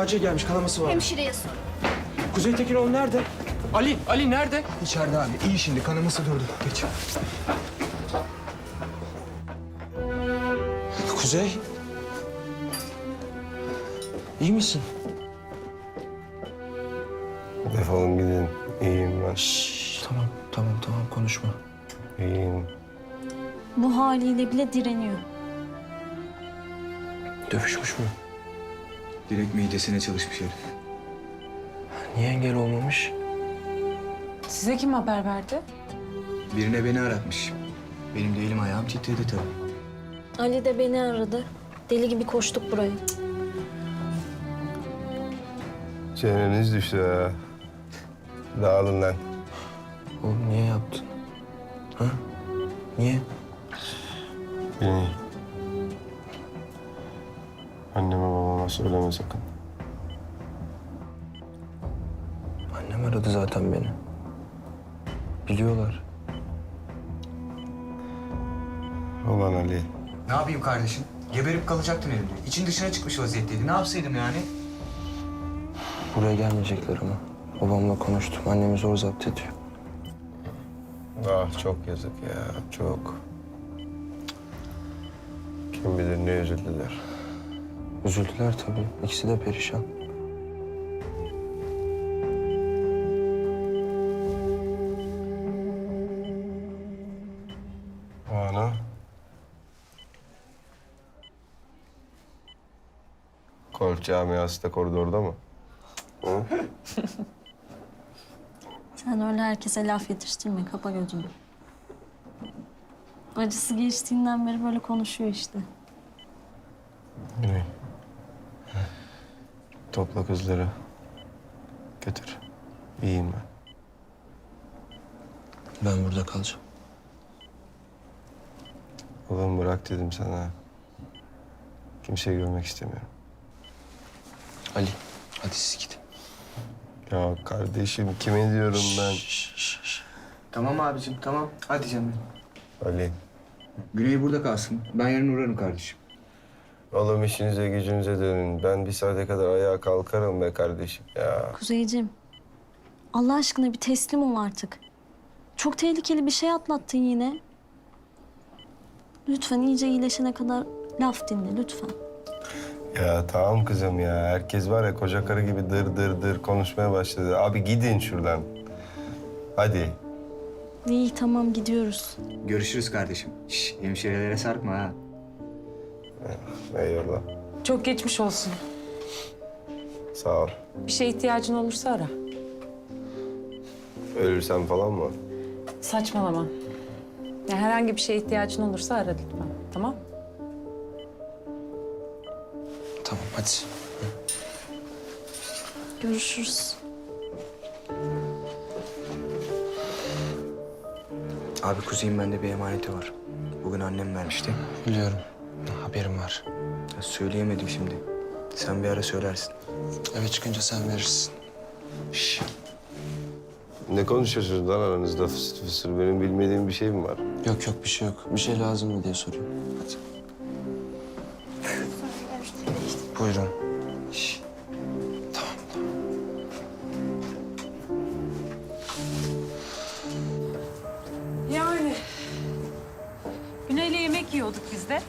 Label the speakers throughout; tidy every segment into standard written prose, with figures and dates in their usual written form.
Speaker 1: acil gelmiş, kanaması var.
Speaker 2: Hemşireye sor.
Speaker 1: Kuzey Tekinoğlu nerede? Ali nerede?
Speaker 3: İçeride abi. İyi şimdi. Kanaması durdu. Geç.
Speaker 1: Kuzey. İyi misin?
Speaker 4: Defolun gidin. İyiyim ben.
Speaker 1: Şşş, tamam konuşma.
Speaker 4: İyiyim.
Speaker 2: Bu haliyle bile direniyor.
Speaker 1: Dövüşmüş mü?
Speaker 3: Direkt midesine çalışmış herif.
Speaker 1: Niye engel olmamış?
Speaker 5: Size kim haber verdi?
Speaker 3: Birine beni aratmış. Benim de elim ayağım titredi tabii.
Speaker 2: Ali de beni aradı. Deli gibi koştuk buraya.
Speaker 4: Çeneniz düştü ha. Dağılın lan.
Speaker 1: Oğlum niye yaptın? Ha? Niye?
Speaker 4: Beni. Anneme babama söyleme sakın.
Speaker 1: Annem aradı zaten beni. Biliyorlar.
Speaker 4: Ulan Ali.
Speaker 3: Ne yapayım kardeşim? Geberip kalacaktın elimde. İçin dışına çıkmış vaziyetteydi. Ne yapsaydım yani?
Speaker 1: Buraya gelmeyecekler ama. Babamla konuştum. Annemi zor zapt ediyor.
Speaker 4: Ah çok yazık ya. Çok. Kim bilir ne üzüldüler.
Speaker 1: Üzüldüler tabii. İkisi de perişan.
Speaker 4: Banu. Golf camiası da koridorda mı? Hı?
Speaker 2: Sen öyle herkese laf yetiştirme. Kapa gözünü. Acısı geçtiğinden beri böyle konuşuyor işte.
Speaker 4: Güney. Topla kızları. Götür. İyiyim ben.
Speaker 1: Ben burada kalacağım.
Speaker 4: Oğlum bırak dedim sana. Kimseyi görmek istemiyorum.
Speaker 1: Ali, hadi siz gidin.
Speaker 4: Ya kardeşim kime diyorum ben?
Speaker 3: Tamam abicim, tamam. Hadi canım.
Speaker 4: Ali.
Speaker 3: Güney burada kalsın. Ben yarın uğrarım kardeşim.
Speaker 4: Oğlum işinize gücünüze dönün. Ben bir saate kadar ayağa kalkarım be kardeşim ya.
Speaker 2: Kuzeyciğim, Allah aşkına bir teslim ol artık. Çok tehlikeli bir şey atlattın yine. Lütfen iyice iyileşene kadar laf dinle lütfen.
Speaker 4: Ya tamam kızım ya. Herkes var ya koca karı gibi dır dır dır konuşmaya başladı. Abi gidin şuradan. Hadi.
Speaker 2: İyi tamam gidiyoruz.
Speaker 3: Görüşürüz kardeşim. Şş, hemşirelere sarkma ha.
Speaker 4: Eyvallah.
Speaker 5: Çok geçmiş olsun.
Speaker 4: Sağ ol.
Speaker 5: Bir şeye ihtiyacın olursa ara.
Speaker 4: Ölürsem falan mı?
Speaker 5: Saçmalama. Ya herhangi bir şeye ihtiyacın olursa ara lütfen. Tamam?
Speaker 1: Tamam hadi.
Speaker 2: Görüşürüz.
Speaker 3: Abi Kuzey'in bende bir emaneti var. Bugün annem vermişti.
Speaker 1: Biliyorum. Haberim var.
Speaker 3: Ya söyleyemedim şimdi. Sen bir ara söylersin.
Speaker 1: Eve çıkınca sen verirsin.
Speaker 4: Şş. Ne konuşuyorsunuz lan aranızda fısır fısır? Benim bilmediğim bir şey mi var?
Speaker 1: Yok bir şey yok. Bir şey lazım mı diye soruyorum. Hadi. Buyurun. Şş. Tamam.
Speaker 5: Yani. Güney'le yemek yiyorduk biz de.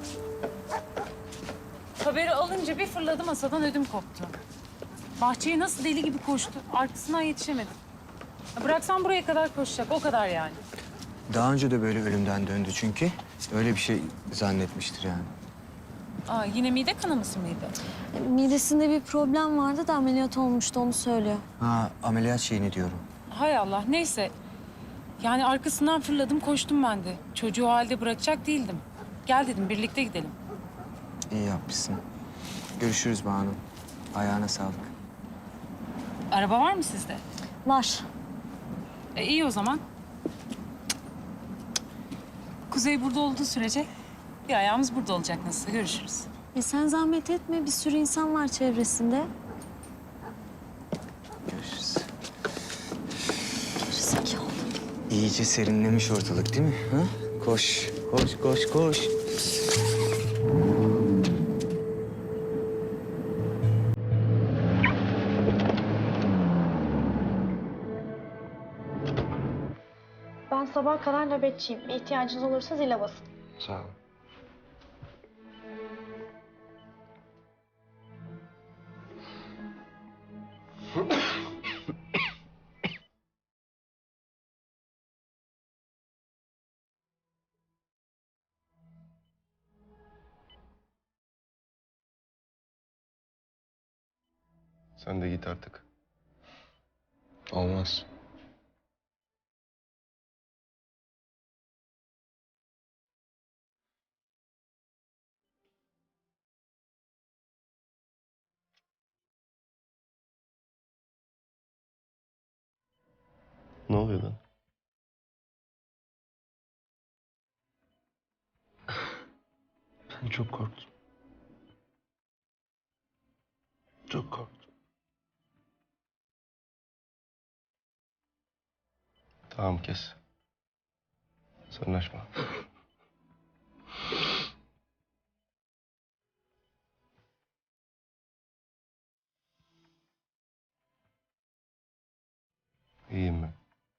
Speaker 5: Haberi alınca bir fırladı masadan ödüm koptu. Bahçeye nasıl deli gibi koştu. Arkasından yetişemedim. Ya bıraksam buraya kadar koşacak. O kadar yani.
Speaker 3: Daha önce de böyle ölümden döndü çünkü. Öyle bir şey zannetmiştir yani.
Speaker 5: Aa, yine mide kanaması mıydı?
Speaker 2: Midesinde bir problem vardı da ameliyat olmuştu onu söylüyor.
Speaker 3: Ha, ameliyat şeyini diyorum.
Speaker 5: Hay Allah, neyse. Yani arkasından fırladım, koştum ben de. Çocuğu o halde bırakacak değildim. Gel dedim, birlikte gidelim.
Speaker 3: İyi yapmışsın. Görüşürüz Banu. Ayağına sağlık.
Speaker 5: Araba var mı sizde?
Speaker 2: Var.
Speaker 5: İyi o zaman. Kuzey burada olduğu sürece bir ayağımız burada olacak nasılsa. Görüşürüz.
Speaker 2: Sen zahmet etme bir sürü insan var çevresinde.
Speaker 3: Görüşürüz.
Speaker 2: Gerizekalı.
Speaker 3: İyice serinlemiş ortalık değil mi? Ha? Koş, koş.
Speaker 6: Ben sabaha kadar nöbetçiyim. Bir ihtiyacınız olursa zile basın.
Speaker 1: Sağ ol.
Speaker 4: Sen de git artık.
Speaker 1: Olmaz.
Speaker 4: Ne oluyor lan?
Speaker 1: Ben çok korktum. Çok korktum.
Speaker 4: Tamam kes. Sırnaşma. İyiyim ben.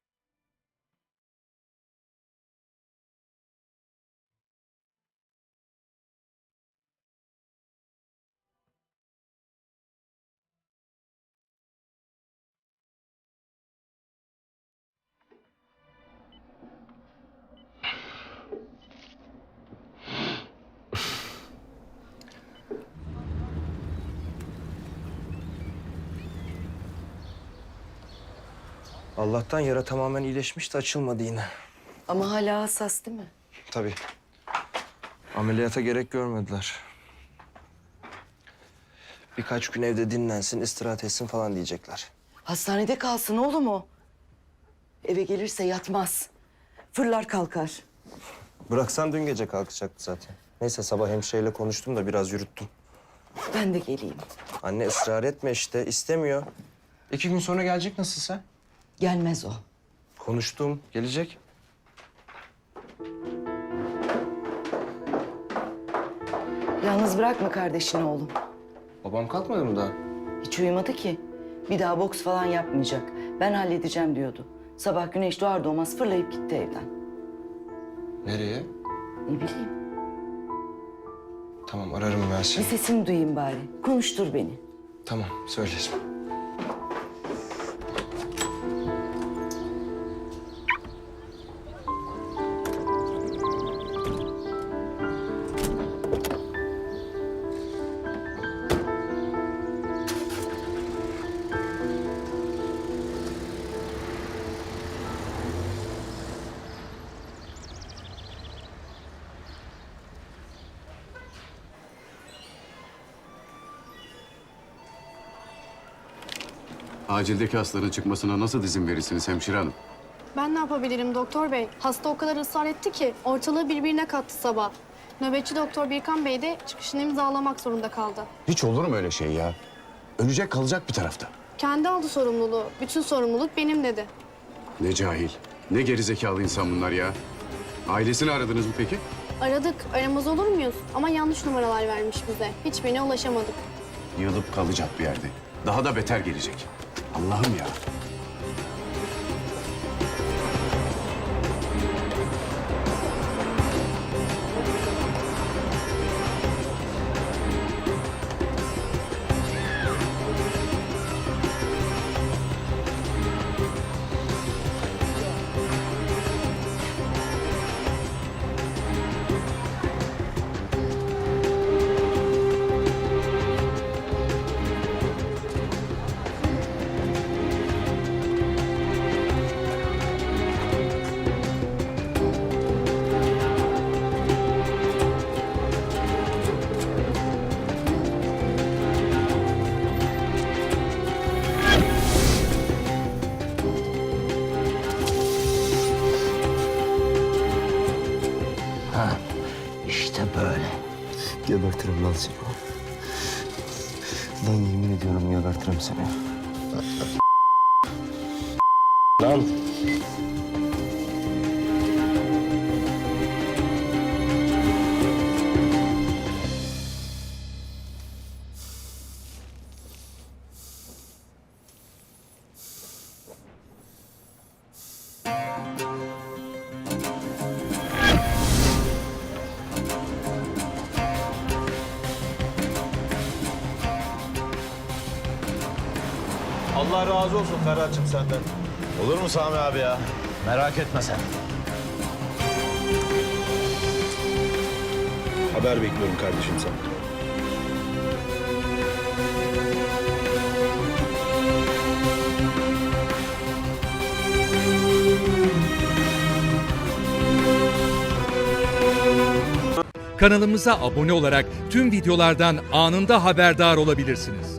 Speaker 1: Allah'tan yara tamamen iyileşmiş de açılmadı yine.
Speaker 7: Ama hala hassas değil mi?
Speaker 1: Tabii. Ameliyata gerek görmediler. Birkaç gün evde dinlensin, istirahat etsin falan diyecekler.
Speaker 7: Hastanede kalsın oğlum o. Eve gelirse yatmaz. Fırlar kalkar.
Speaker 1: Bıraksan dün gece kalkacaktı zaten. Neyse sabah hemşireyle konuştum da biraz yürüttüm.
Speaker 7: Ben de geleyim.
Speaker 1: Anne ısrar etme işte, istemiyor. 2 gün sonra gelecek nasılsa.
Speaker 7: Gelmez o.
Speaker 1: Konuştum, gelecek.
Speaker 7: Yalnız bırakma kardeşini oğlum.
Speaker 1: Babam kalkmadı mı daha?
Speaker 7: Hiç uyumadı ki. Bir daha boks falan yapmayacak. Ben halledeceğim diyordu. Sabah güneş doğar doğmaz fırlayıp gitti evden.
Speaker 1: Nereye?
Speaker 7: Ne bileyim.
Speaker 1: Tamam, ararım ben
Speaker 7: Bir
Speaker 1: seni.
Speaker 7: sesini duyayım bari. Konuştur beni.
Speaker 1: Tamam, söylerim.
Speaker 8: Acildeki hastaların çıkmasına nasıl izin verirsiniz hemşire hanım?
Speaker 6: Ben ne yapabilirim doktor bey? Hasta o kadar ısrar etti ki ortalığı birbirine kattı sabah. Nöbetçi doktor Birkan Bey de çıkışını imzalamak zorunda kaldı.
Speaker 8: Hiç olur mu öyle şey ya? Ölecek kalacak bir tarafta.
Speaker 6: Kendi aldı sorumluluğu. Bütün sorumluluk benim dedi.
Speaker 8: Ne cahil, ne gerizekalı insan bunlar ya. Ailesini aradınız mı peki?
Speaker 6: Aradık, aramaz olur muyuz? Ama yanlış numaralar vermiş bize. Hiçbirine ulaşamadık.
Speaker 8: Yığılıp kalacak bir yerde. Daha da beter gelecek. Allah'ım ya.
Speaker 1: İşte böyle. Gebertirim lan seni. Lan yemin ediyorum gebertirim seni. Lan.
Speaker 9: Allah razı olsun Ferhat'cığım senden.
Speaker 10: Olur mu Sami abi ya? Merak etme sen.
Speaker 9: Haber bekliyorum kardeşim senden.
Speaker 11: Kanalımıza abone olarak tüm videolardan anında haberdar olabilirsiniz.